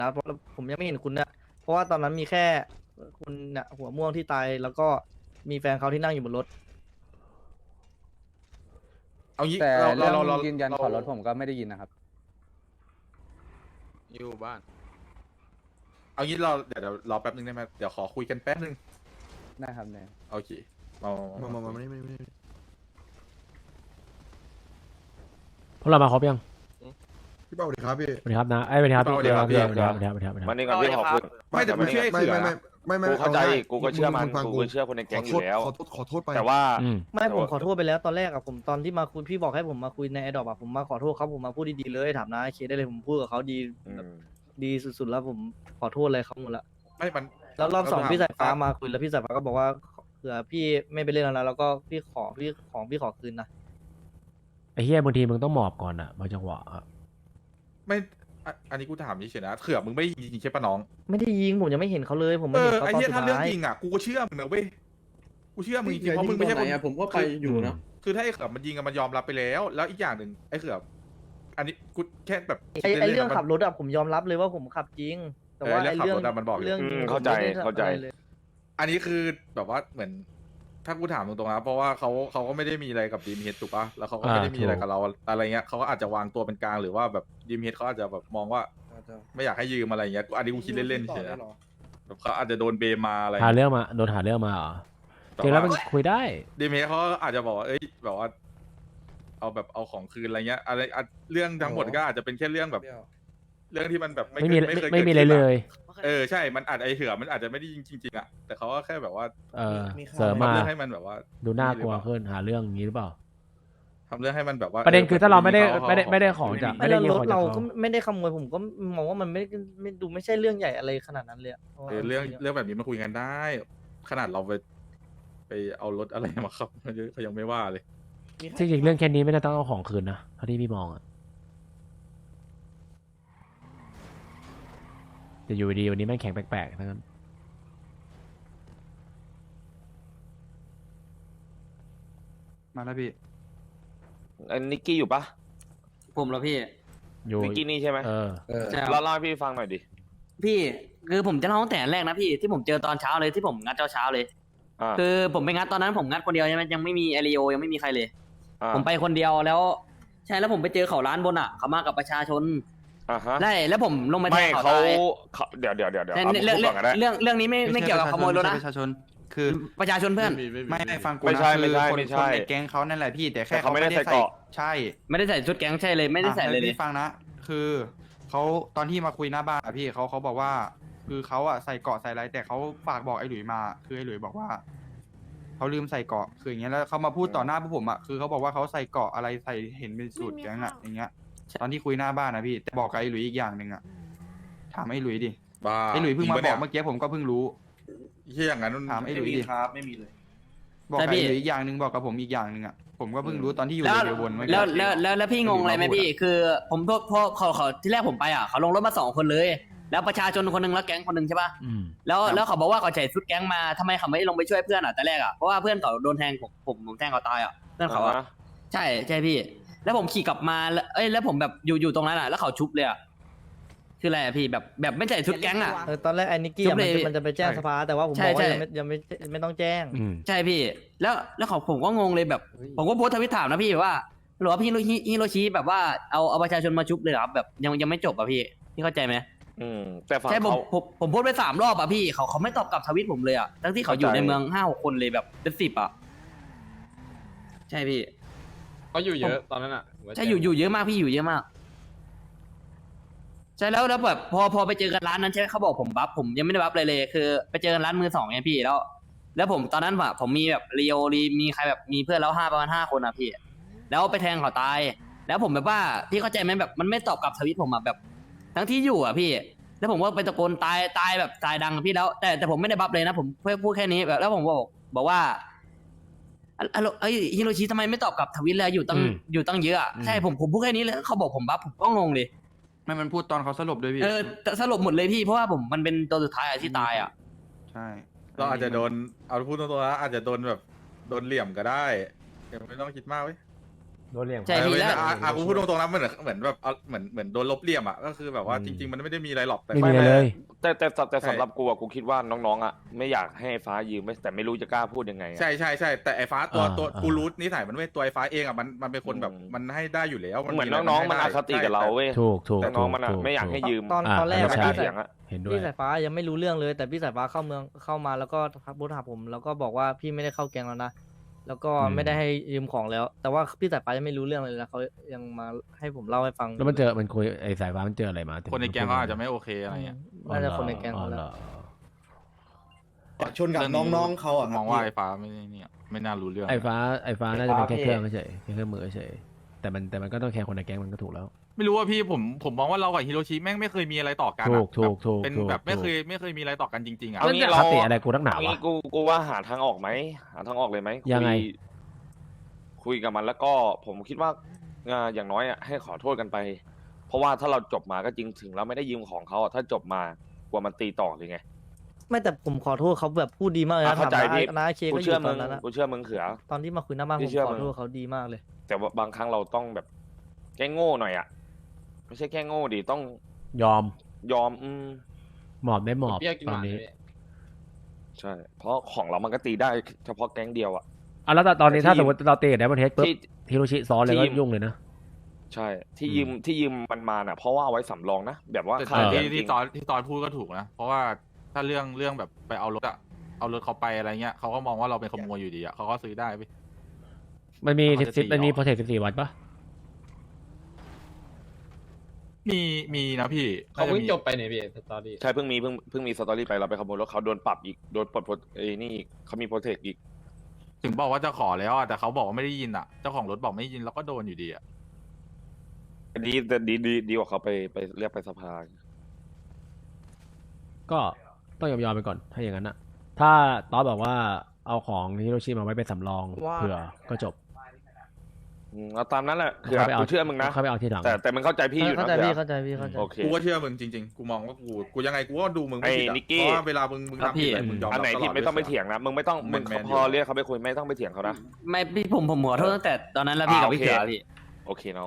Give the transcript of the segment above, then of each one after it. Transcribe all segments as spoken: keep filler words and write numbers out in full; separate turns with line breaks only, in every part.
นะเพราะผมยังไม่เห็นคุณเนี่ยเพราะว่าตอนนั้นมีแค่คุณเนี่ยหัวม่วงที่ตายแล้วก็มีแฟนเขาที่นั่งอยู่บนรถ
เอางี้
แต่
เรา
เรื่
เรา
อง
เราเรา
ยืนยัน
เรา
ขอรถผมก็ไม่ได้ยินนะครับ
อยู่บ้าน
เอางี้เราเดี๋ยวเดี๋ยวรอแป๊บนึงได้ไหมเดี๋ยวขอคุยกันแป๊บนึง
ได้ครับเนี่ย
โอเคมามา
มา
มา
มา
มา
มาไม่ไม่ไม่
พวกเรามาครบยัง
พี่เป้าสวัสดีครับพี่
สวัสดีครับนะไอ้ยสวัสดีครับพี่สวัสดีครับสวัสดีครับสวัสดีครับสวัสดีครับสวัสดีค
มั
รับ
นนี่ก่อนพี่ขอคุย
ไม่แต่กูเชื่อไอ้
ไม่
เสือ
ไม่ไม่ไม่ไม่
กูเข้าใจ
อง่ย
กูก็เชื่อมัน
งฟัง
กูก็เชื่อคนในแก๊งอยู่แล้ว
ขอโทษขอโทษไป
แต่ว่า
อืม
ไม่ผมขอโทษไปแล้วตอนแรกอะผมตอนที่มาคุยพี่บอกให้ผมมาคุยในไอดอปอะผมมาขอโทษเขาผมมาพูดดีๆเลยถามนะเคได้เลยผมพูดกับเขาดี
อืม
ดีสุดๆแล้วผมขอโทษเลยเขาหมดละ
ไม่มัน
แล้วรอบสอง
เา
พี่สายฟ้า
ถ
มาคุยแล้วพี่สายฟ้าก็บอกว่าเผื่อพี่ไม่ไปเล่นแล้วนะแล้วก็พี่ขอพี่ของพี่ขอคืนนะ
ไอ้เฮียบางทีมึงต้องหมอบก่อนอ่ะบางจังหวะอะ
ไม่อ่ะอันนี้กูถามเฉยๆนะเขือมึงไม่ยิงใช่ปะน้อง
ไม่ได้ยิงผมยังไม่เห็นเขาเลย ผม
เอ
ไม่เห็
อน
เขา
ไอ้
ตอน
เหี้ย
สุด
ถ้าเรื่อง
ท้าย
จริงอ่ะกูก็เชื่อมึงนะเว้ยกูเชื่อมึงจริงๆเพราะมึงไม่ใช่คน
ผมก็ไปอยู่นะ
คือถ้าไอ้เขือมันยิงอะมันยอมรับไปแล้ว แล้วอีกอย่างหนึ่งไอ้เขืออันนี้กูแค่แบบ
ไอไอเรื่อง
ล่นๆนะมัน
ขับรถอะผมยอมรับเลยว่าผมขับจริง แต่ว่า
เออ
ไอ
เรื่
เรื่
อ
อง ง
ขับรถอะมันบอกอยู่
เรื่อง
อื
ยิ
ม
ง
เข้าใจ
ผมไม่ได้
เข้าใจ
อะไรเลย
อันนี้คือแบบว่าเหมือน ถ้ากูถามตรงๆนะเพราะว่าเขาเขาก็ไม่ได้มีอะไรกับดีมเฮดถูกปะแล้วเขาก็ไม่ได้มีอะไรกับเราอะไรเงี้ยเขาก็อาจจะวางตัวเป็นกลางหรือว่าแบบดีมเฮดเขาอาจจะแบบมองว่า ไม่อยากให้ยืมอะไรเงี้ยกูอันนี้กูคิดเล่นๆเฉยๆนะแบบเขาอาจจะโดนเบมมาอะไร
หาเรื่องมาโดนหาเรื่องมาเหรอจริงแล้วมันคุยได้
ดีมเฮดเขาอาจจะบอกว่าเอ้ยแบบว่า เอาแบบเอาของคืนอะไรเงี้ยอะไรอ่ะเรื่องทั้งหมดก็อาจจะเป็นแค่เรื่องแบบ เรื่องที่มันแบบ
ไม่มี
เคย
ไม่
เคย
ไม่มี
กิด
อะไร
ขึ้น
เล
อะ
ย
เออใช่มันอาจไอเถื่อมันอาจจะไม่ได้ยิงจริงๆอ่ะแต่เขาก็แค่แบบว่า
เออเสริมมา
ทำเรื่องให้มันแบบว่า
ดูน่ากลัวขึ้นหาเรื่องอย่างนี้หรือเปล่า
ทำเรื่องให้มันแบบว่า
ประเด็นคือถ้าเราไม่ได้
ข
ไม่ได้ไม่ได้ของจาก
ไม่
ไม่
แล้
ได้
ว
ยิง
ร
ข
ถ
องจาก
เรา
เขา
ก็ไม่ได้ขโมยผมก็มองว่ามันไม่ไม่ดูไม่ใช่เรื่องใหญ่อะไรขนาดนั้นเลยอะ
เออเรื่องเรื่องแบบนี้มาคุยกันได้ ขนาดเราไปไปเอารถอะไรมาครับเขายังไม่ว่าเลย
จริงๆเรื่องแค่นี้ไม่น่าต้องเอาของคืนนะเท่าที่พี่มองอะแต่อยู่ดีวันนี้แม่งแข็งแปลกๆทั้งนั้น
มาแล้วพี่
ไอ้นิกกี้อยู่ปะ
ผมแล้วพี่
อยู่
นิกกี้นี่ใช่ไหม
เออ
ใช่ค
เล่า
รับ
เล่าให้พี่ฟังหน่อยดิ
พี่คือผมจะเล่าตั้งแต่แรกนะพี่ที่ผมเจอตอนเช้าเลยที่ผมงัดเช้าเช้าๆเลย
อ่า
คือผมไปงัดตอนนั้นผมงัดคนเดียวใช่ไหมยังไม่มีเอริโอยังไม่มีใครเลย
อ่า
ผมไปคนเดียวแล้ว ใช่แล้วผมไปเจอเขาร้านบนอ่ะเขามากับประชาชน
อ่าฮะ
ได้แล้วผมลงมาแท
ไม่
งเขา
เขา
ตาย
เขาเดี๋ยวเดี๋ยวเดี๋ยวเดี๋ยว
ใช่
เอา
เรื่อง
พูด
เรื่
ก่อนก็ได้
องเรื่องเรื่องนี้ไม่ไม่เกี่ยวกับขโมยรถนะ
ประชาชนคือ
ประชาชนเพื่อน
ไม่ไม่ฟังกู
ไม่
นะ
ใช่
คื
ไม่
อ
ใช่
คน
ไม่
ค
ใช่
นในแก๊งเขานั่นแหละพี่แต่แค่
แต่เขาไม่ได้ใส่เกราะ
ใช่
ไม่ได้ใส่ชุดแก๊งใช่เลยไม่ได้ใส่เลย
อ่ะ
เล
แวย พี่ฟังนะ คือเขาตอนที่มาคุยหน้าบ้านอะพี่เขาเขาบอกว่า คือเขาอะใส่เกราะใส่อะไรแต่เขาฝากบอกไอ้หลุยมา คือไอ้หลุยบอกว่าเขาลืมใส่เกราะคืออย่างเงี้ยแล้วเขามาพูดต่อหน้าพวกผมอะคือเขาบอกว่าเขาใส่เกราะอะไรใส่เห็นเป็นสูตรแก๊งอะอย่างเงี้ย ตอนที่คุยหน้าบ้านนะพี่แต่บอกกับไอ้หลุยอีกอย่างหนึ่งอะถามไอ้หลุยดิ
บ้า
ไอ้หลุยเพิ่งมา
จริ
บ
ปะ
อกเมื่อกี้ผมก็เพิ่งรู้
เฮียอย่างนั้น
ถามไอ้หลุยดิ
ครับไม่มีเลย
บอก
ใช่
กับ
พี่
ไอ้หลุยอีกอย่างหนึ่งบอกกับผมอีกอย่างหนึ่งอะผมก็เพิ่งรู้ตอนที่อยู่
แล้ว
ในเรือวนเมื่อกี้
แล้วแล้วแล้วแล้วพี่งงอะไรไหม
ไม่รู้
พี่
อะ
คือ ผมพวกพวกเขาเขาที่แรกผมไปอ่ะเขาลงรถมาสองคนเลย แล้วประชาชนคนหนึงแล้วแก๊งคนหนึงใช่ปะ
อืม
แล้วแล้วเขาบอกว่าเขาใส่ชุดแก๊งมาทำไมเขาไม่ลงไปช่วยเพื่อนอ่ะแต่แรกอ่ะเพราะว่าเพื่อนเขาโดนแทงผมผมผมแทงเขาตายอ่ะเพื่อนเขาอ่ะ
อ่าฮะ
ใช่ใช่พี่ แล้วผมขี่กลับมาแล้วเอ้ยแล้วผมแบบอยู่อยู่ตรงนั้นอ่ะแล้วเขาชุบเลยอ่ะคืออะไรอ่ะพี่แบบแบบไม่ใส่ชุดแก๊งอ่ะ
เออตอนแรกไอ้นิกกี้
จุ๊
อะ
บ
มัน
เลย
จะมันจะไปแจ้ง
ใช่
สภาแต่ว่าผม
ใช่
บอกว่า
ใช่
ยังไม่ยังไม่ไม่ต้องแจ้ง
อืม
ใช่พี่ แล้วแล้วเขาผมก็งงเลยแบบ ผมก็โพสต์ทวิตถามนะพี่ว่าหรือว่าพี่ฮิโรชิฮิโรชิแบบว่าเอาเอาประชาชนมาชุบเลยเหรอครับแบบยังยังไม่จบอ่ะพี่พี่เข้าใจไหม
อืมแต่ฝั่ง
ใช่ผม
เขา
ผมผมโพสต์ไปสามรอบอ่ะพี่เขาเขาไม่ตอบกลับทวิตผมเลยอ่ะทั้งที่เขาอยู่
เข้าใจ
ในเมืองห้าหกคนเลยแบบเป็นสิบอ่ะใช่พี่
เขาอยู่เยอะตอนนั้นอ่ะ
ใช่อยู่อยู่เยอะมากพี่อยู่เยอะมาก ใช่แล้วแล้วแบบพอพอไปเจอกันร้านนั้นใช่ไหมเขาบอกผมบัฟผมยังไม่ได้บัฟเลยเลยคือ ไปเจอกันร้านมือสองไงพี่แล้ว แล้วผมตอนนั้นอะผมมีแบบรีโอรีมีใครแบบมีเพื่อนแล้วห้าประมาณห้าคนอะพี่ แล้วไปแทงเขาตาย แล้วผมแบบว่าพี่เข้าใจไหมแบบมันไม่ตอบกลับทวิตผมอะแบบ ทั้งที่อยู่อะพี่ แล้วผมก็ไปตะโกนตายตายแบบตายดังอะพี่แล้ว แต่แต่ผมไม่ได้บัฟเลยนะผมเพื่อพูดแค่นี้แบบแล้วผมบอกบอกว่าอะอะโลไอยฮิโรชิทำไมไม่ตอบกลับทวิตเลยอยู่ตั้ง
อืม
อยู่ตั้งเยอะอะ
อืม
ใช่ผมผมพูดแค่นี้เลยเขาบอกผมบัฟผมก็งงเลย
ไม่มันพูดตอนเขาสลบด้วยพี่
เออแต่สรุปหมดเลยพี่เพราะว่าผมมันเป็นตัวสุดท้ายอะที่ตายอะ
ใช่
เราอาจจะโดนเอาพูดตรงๆนะอาจจะโดนแบบโดนเหลี่ยมก็ได้ยังไม่ต้องคิดมากเว้ย
โดนเรียก
ใช่พี่
เออ
แล้ว
อ่ะอ่ะกูพูดตรงๆนะเหมือนเหมือนแบบเอาเหมือนเหมือนโดนลบเหลี่ยมอ่ะก็คือแบบว่า
อืม
จริง ๆ มันไม่ได้มีอะไรหรอกแต่
ไม่มีอะไรเลย
แต่แต่แต่แต่
ใช่
สำหรับกูอะกูคิดว่าน้องๆอะไม่อยากให้ไอ้ฟ้ายืมไม่แต่ไม่รู้จะกล้าพูดยังไงอะ
ใช่ใช่ใช่แต่ไอ้ฟ้าตัว
อ่า
ตัว
อ่า
กูรู้นิสัยมันเว้ยตัวไอ้ฟ้าเองอ่ะมันมันเป็นคนแบบ
อืม
มันให้ได้อยู่แล้ว
เหมือน
ะไร
น้องๆมัน
ให้
อ
ได้
คติกับเราเว้ย
ถูกถูก
แต่น้องมันอะ
ถูก
ไม่อยากให้
ถู
ยืม
ตอน
อ่า
ตอนแรก
แล้วไม่
ใช่
กล้า
พี่
เถียงอะ
เห็นด้วย
พี่สายฟ้ายังไม่รู้เรื่องเลย แต่พี่สายฟ้าเข้าเมืองเข้ามาแล้วก็ทักบูธหาผม แล้วก็บอกว่าพี่ไม่ได้เข้าแกงแล้วนะแล้วก็
อืม
ไม่ได้ให้ยืมของแล้ว แต่ว่าพี่สายฟ้ายังไม่รู้เรื่องเลยนะเขายังมาให้ผมเล่าให้ฟัง
แล้วมันเจอมันคุยไอ้สายฟ้ามันเจออะไรมา
คนในแก๊งเขาอาจจะไม่โอเคอะไรเงี้ย
น่าจะคนในแกง
อ๋อ
เขาแห
เหร
ละ
อ
ชนกับน้องๆเขาอ่ะ
มองว่าไอ้ฟ้าไม่เนี่ยไม่น่ารู้เรื่อง
ไอ้ฟ้าไอ้ฟ้าน่าจะเป็นแค่เครื่องเฉยแค่เครื่องมือเฉยแต่มันแต่มันก็ต้องแคร์คนในแก๊งมันก็ถูกแล้ว
ไม่รู้ว่าพี่ผมผมมองว่าเรากับฮิโรชิแม่งไม่เคยมีอะไรต่อกันอะ
ถูกถูก
แบบ
ถูก
เป็น
ถูก
แบบไม่
ถูก
เคยไม่เคยมีอะไรต่อกันจริงๆอ่ะ
เอางี้
ค
เรา
ติอะไรกูนักหนาวะ
เอางี้กูกูว่าหาทางออกไหมหาทางออกเลยไหม
ยังไง
คุคุยกับมันแล้วก็ผมคิดว่าอ่าอย่างน้อยอ่ะให้ขอโทษกันไป เพราะว่าถ้าเราจบมาก็จริงถึงเราไม่ได้ยืมของเขาอะถ้าจบมากลัวมันตีต่อเลยไง
ไม่แต่ผมขอโทษเขาแบบพูดดีมากเลย
อ่ะ
นะ
เข้าใจ
ถาม
พี่
นะนะเค
กู
ก็อ
เชื่
ยู่
อ
ต
มึ
อน
ง
นั้นนะ
กูเชื่อมึงเขือ
ตอนที่มาคุยหน้าบ้าน
พี่
ผม
เชื่อ
ขอ
มึง
โทษเขาดีมากเลย
แต่ว่าบางครั้งเราต้องแบบแก้โง่หน่อยอ่ะไม่ใช่แก้โง่ดิต้อง
ยอม
ยอมอืม
หมอบได้หมอบ
เปรี้ยวกิน
ต
ห
อน
วาน
นี้
เลย
ใช่ เพราะของเรามันก็ตีได้เฉพาะแก๊งเดียวอ่ะ
อ่ะแล้วตอนนี้
แต่ที่
ถ้าสมมติเราเตะได้ประเทศปุ๊บ
ที่
ฮิโรชิซ้อนเลย
ที่
ก็
ยืม
ยุ่งเลยนะ
ใช่ ที่
อืม
ยืมที่ยืมมันมาน่ะ เพราะว่าเอาไว้สำรองนะแบบว่า
แต่
ขาด
ที่
จริ
ที่
ง
ตอนที่ตอนพูดก็ถูกนะ เพราะว่าถ้าเรื่องเรื่องแบบไปเอารถอะเอารถเขาไปอะไรเงี้ยเขาก็มองว่าเราเป็นขโมยอยู่ดีอะเขาก็ซื้อได้ไป
มันมี
เขาจะ
สิบ
ตี
มันมี
ออก
โปรเทคสิบสี่วันปะ
มีมีนะพี่
เขาเพิ่ง
น่จะมี
จบไปเนี่ยพี่สตอรี่
ใช่เพิ่งมีเพิ่งเพิ่งมีสตอรี่ไปเราไปขโมยรถเขาโดนปรับอีกโดนปลดโปรเอ้ยนี่อีกเขามีโปรเทคอีก
ถึงบอกว่าจะขอแล้วอะแต่เขาบอกว่าไม่ได้ยินอะเจ้าของรถบอกไม่ได้ยินเราก็โดนอยู่ดีอะ
ดีแต่ดีดีดีกว่าเขาไปไปเรียกไปสภา
ก็ต้องยอมยอมไปก่อนถ้าอย่างนั้นอะถ้าตอนบอกว่าเอาของฮิโรชิมาไว้เป็นสำรอง
ว่า
เผื่อก็จบ
อืมเอาตามนั้นแหละคือ
เข้าไปเอา
กูเชื่อมึงนะ
เข้าไปเอาที่หลัง
แต่แต่มึงเข้าใจพี่อยู่
เข้า
นะ
ใจพี่
เผื่อ
เข้าใจพี่เข้าใจ
โอเค
กูก็เชื่อมึงจริงๆ กูมองว่ากูกูยังไงกูก็ดูมึงไม่ผิด
ไอ้
อะ
นิกกี้
เพราะว่าเวลามึงมึง
ครับ
ทำผิด
พี่
อะไรมึงยอม
อัน
รับ
ไหน
ตล
ที่
อด
ไม่ต้องไป
ด้วย
เถียงนะมึงไม่ต้องมึง
แมนๆอยู่
พอเรียกเขาไปคุยไม่ต้องไปเถียงเขานะ
ไม่พี่ผมผมขอโทษตั้งแต่ตอนนั้นแล้วพี่
อ่า
กับพี่
โอเค
เขือพี่
โอเคน้อง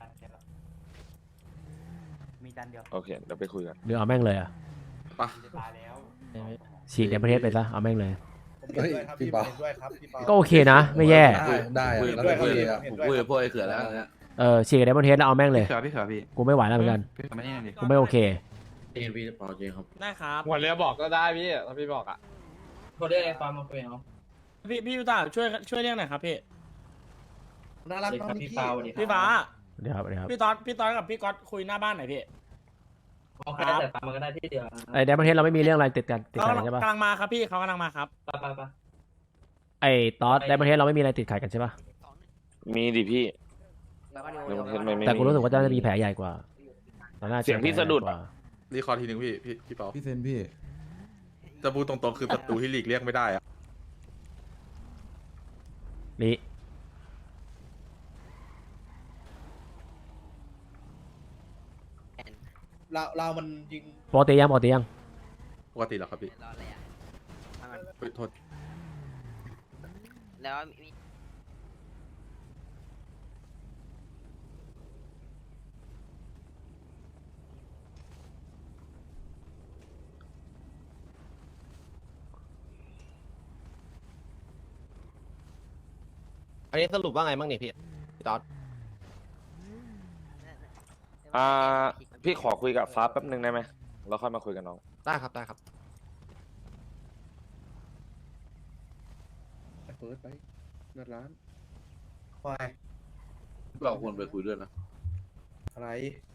มีจานเดียว
โอเคเดี๋ยวไปคุยกัน
หรือเอาแม่งเลยอะ
ปะ
ฉีกในประเทศไปซะเอาแม่งเลย
เฮ้ยพี่เปา
ก็โอเคนะ ไม่แย่
ได้ได้แล้วแต่พี่เลยอะผมคุยกับพวกไอ้เขือแล้วเนี่ย
เออฉีกในประเทศแล้วเอาแม่งเลย
พี่เขือพี่เขือพี่
กูไม่ไหวแล้วเหมือนกัน
พี่เขือไม่นี่หน่อยดิ
กูไม่โอเค
พี่เปาจริงครับ
ได้ครับ
หัวเรือบอกก็ได้พี่ถ้าพี่บอกอ่ะ
โทรเรียกไอ้ฟาร์มมาคุยเอาพี่พี่ยูตาช่วยช่วยเรียกหน่อยครับพี่
น่ารักมากพี่เปาดิ
พี่ฟ้า
เดี๋ยวครับเดี๋ยวครับ
พี่ตอนพี่ตอนกับพี่ก๊อตคุยหน้าบ้านหน่อยพี่
โอเคแต่ฟังมันก็ได้ที่เดียว
ไอ้ในประเทศเราไม่มีเรื่องอะไรติดกันติด
เขา
ขัดกันใช่ปะ
กำลังมาครับพี่เขากำลังมาครับ
ไปไปไป
ไอ้ตอสในประเทศเราไม่มีอะไรติดขัดกันใช่ปะ
มีดิพี่เดี๋ยวผมไม่ไม่
แต่กูรู้สึกว่าจะมีแผลใหญ่กว่าราน่าจ
เสียงพี่สะดุด
แผลใหญ่กว่า
รีคอร์ดทีหนึ่งพี่พี่พี่เปา
พี่เซนพี่
จะพูดตรงๆคือศัตรูที่หลีกเลี่ยงไม่ได้อะ
นี่
เราเรามันยิง
ปกติยังปกติยัง
ปกติเหรอครับพี่เฮ้ยโทษ
แล้วมี
อันนี้สรุปว่าไงบ้างเนี่ยพี่พี่ต๊อด
อ่าพี่ขอคุยกับฟ้าแป๊บหนึ่งได้ไหมแล้วค่อยมาคุยกับน้อง
ได้ครับได้ครับ
เปิดไปเงินร้าน
ควาย
เราควรไปคุยด้วยนะอะไร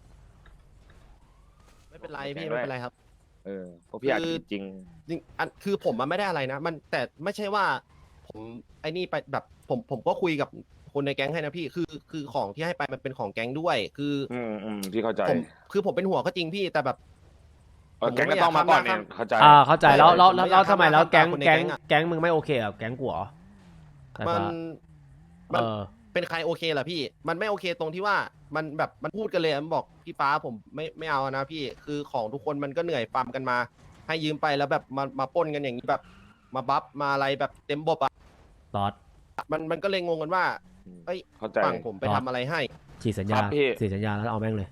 ไม่เป็นไรพี่ไม่เป็นไรครับ
เออเพราะพี่อาจ
คือ
จริง
จริงอันคือผมมันไม่ได้อะไรนะ มันแต่ไม่ใช่ว่า ผมไอ้นี่ไปแบบผมผมก็คุยกับคนในแก๊งให้นะพี่คือคือของที่ให้ไปมันเป็นของแก๊งด้วย คือ
อืมอืมพี่เข้าใจ
ผมคือผมเป็นหัวก็จริงพี่แต่แบบ
เออแก๊งก็ต้องมาก่อนเนี่ยเข้าใจ
อ่าเข้าใจแล้วแล้ว
ผมไม่
แล้ว
อยาก
ทำไมแล้ว
ทำ
แก๊ง
คนใน
แก๊ง
แก๊งอะ
แก๊งมึงไม่โอเคเหรอแก๊งกูเหรอสาย
มั
ฟ้าน
มัน
เออ
เป็นใครโอเคล่ะพี่ มันไม่โอเคตรงที่ว่ามันแบบมันพูดกันเลยมันบอกพี่ฟ้าผมไม่ไม่เอานะพี่คือของทุกคนมันก็เหนื่อยฟาร์มกันมา ให้ยืมไปแล้วแบบมามาปล้นกันอย่างนี้แบบมาบัฟมาอะไรแบบเต็มบบอ่ะ
ตอส
มันมันก็เลยงงกันว่า
อืม
เอ้ย
เข้าใจ
ฝั่งผมไปทำอะไรให้
ฉีดสัญญา
ครับพี่
ฉีดสัญญาแล้วเอาแม่งเลย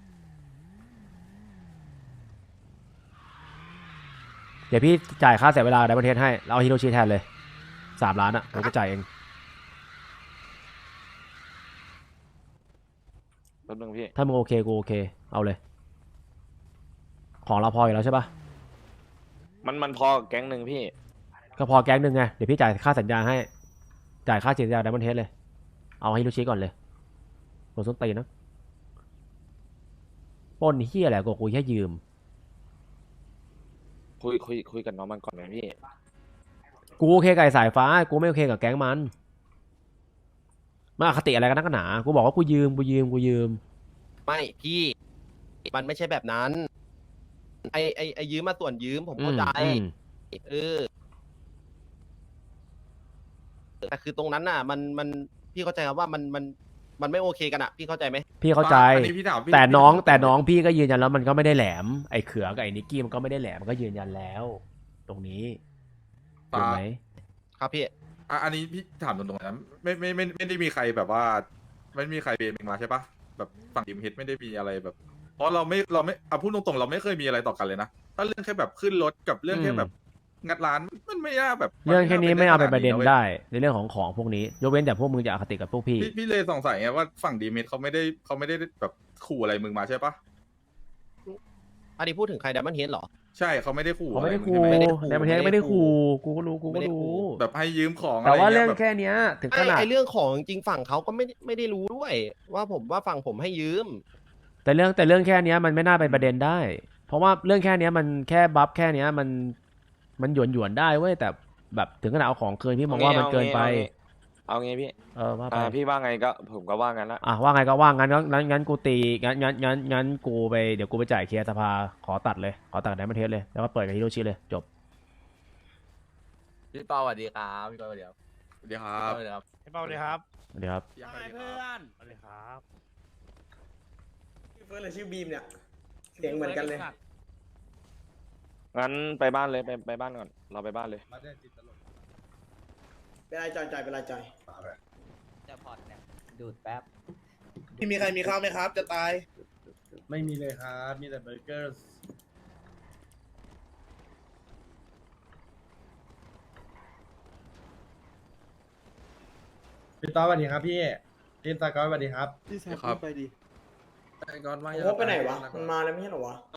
เดี๋ยวพี่จ่ายค่าเสียเวลาไดมอนเทสให้แล้วเอาฮิโรชิแทนเลยสามล้านอ่ะผมก็จ่ายเอง
แป๊บนึงพี่
ถ้ามึงโอเคกูโอเคเอาเลย ของเราพออยู่แล้วใช่ปะ
มันมันพอกับแก๊งหนึ่งพี่
ก็พอแก๊งหนึ่งไงเดี๋ยวพี่จ่ายค่าสัญญาให้จ่ายค่าฉีดสัญญาไดมอนเทสเลยเอาฮิโรชิก่อนเลยโดนส้นตีนนะปล้นเฮียอะไรกูกูแค่ยืม
คุยคุยคุยกับน้องมันก่อนไหมพี่
กูโอเคกับไอ้สายฟ้ากูไม่โอเคกับแก๊งมันมาอคติอะไรกันนักกันหนากูบอกว่ากูยืมกูยืมกูยืม
ไม่พี่ มันไม่ใช่แบบนั้น ไอไอไอยืมมาส่วนยืมผมเข้าใจ
อืม
เออแต่คือตรงนั้นน่ะ มันมันพี่เข้าใจครับว่ามันมันมันไม่โอเคกันอ่ะ พี่เข้าใจไหม
พี่เข้าใจ
อันนี้พี่ถามพี่
แต่น้อง
พี่ถาม
แต่น้องพี่ก็ยืนยันแล้วมันก็ไม่ได้แหลมไอ้เขือกับไอ้นิกกี้มันก็ไม่ได้แหลมมันก็ยืนยันแล้ว ตรงนี้ถูกไหม
ครับพี่
อ่ะอันนี้พี่ถามตรงๆนะไม่ไม่ไม่ไม่ได้มีใครแบบว่า ไม่มีใครเบนเองมาใช่ปะแบบฝั่งทีมเฮดไม่ได้มีอะไรแบบ เพราะเราไม่เราไม่เอาพูดตรงๆเราไม่เคยมีอะไรต่อกันเลยนะถ้าเรื่องแค่แบบขึ้นรถกับเรื่องแค่แบบงัดร้านมันไม่น่าแบบ
เรื่องแค่นี้ไม่เอาเป็นประเด็น
ว้ย
ได้ในเรื่องของของพวกนี้ยกเว้นแต่พวกมึงจะอคติกับพวกพี่
พี่พี่เลยสงสัยไงว่าฝั่งดีเมทเขาไม่ได้เขาไม่ได้แบบขู่อะไรมึงมาใช่ปะ
อันนี้พูดถึงใครดัมเบิลเฮดเหรอ
ใช่เขาไม่ได้ขู่
เขาไม่ได้
อะร
คู
งใช่ห
ไม่ได้ขู่
ในประเทศไม่ได้คูกูก็รู้กู
ไม่
ก็
ได้ขู่
รู้
แบบให้ยืมของอะไร
แต่ว่าเรื่อง
งี้ยบบ
แค่เนี้ยถึง
ไอ
ขนาด
ไอเรื่องของจริงฝั่งเขาก็ไม่ไม่ได้รู้ด้วย ว่าผมว่าฝั่งผมให้ยืม
แต่เรื่องแต่เรื่องแค่เนี้ยมันไม่น่าเป็นประเด็นได้ เพราะว่าเรื่องแค่เนี้ยมันแค่บัฟแค่เนี้ยมันมันหยวนหยวนๆได้เว้ยแต่แบบถึงขนาดเอาของเกินพี่มองว่ามันเกินไป
เอางี้พี่
เออว่าไป
อ่าพี่ว่าไงก็ผมก็ว่างั้นละ
อ่ะว่าไงก็ว่างั้นงั้นงั้นกูตีงั้นงั้นงั้นงั้นกูไปเดี๋ยวกูไปจ่ายเคลียร์สภาขอตัดเลยขอตัดไดมอนเทสเลยแล้วก็เปิดกับฮิโรชิเลยจบ
พี่เปาสวัสดีครับพี่เปาสวัสดีครับ
สวัสดีครับ
สวัสดีครับ
พี่เปาเลยครับ
เดี๋ยวครับ
เพื่อนสวัสดีครับ
เฟิร์สเลยชื่อบีมเนี่ย เสียงเหมือนกันเลย
งั้นไปบ้านเลยไปไปบ้านก่อนเราไปบ้านเลย
เป็นไรจอยจอยเป็นไรจอย
จะพอดเนี่ยดูดแป๊บ
พี่มีใครมีข้าวไหมครับ จะตาย
ไม่มีเลยครับ มีแต่เบอร์เกอร์ พี่ต้อสวัสดีครับพี่พี่ตากอสสวัสดีครับ
พี่แซมครับ
โอ้ไปไหนวะ มันมาแล้วไม่ใช่เหรอวะ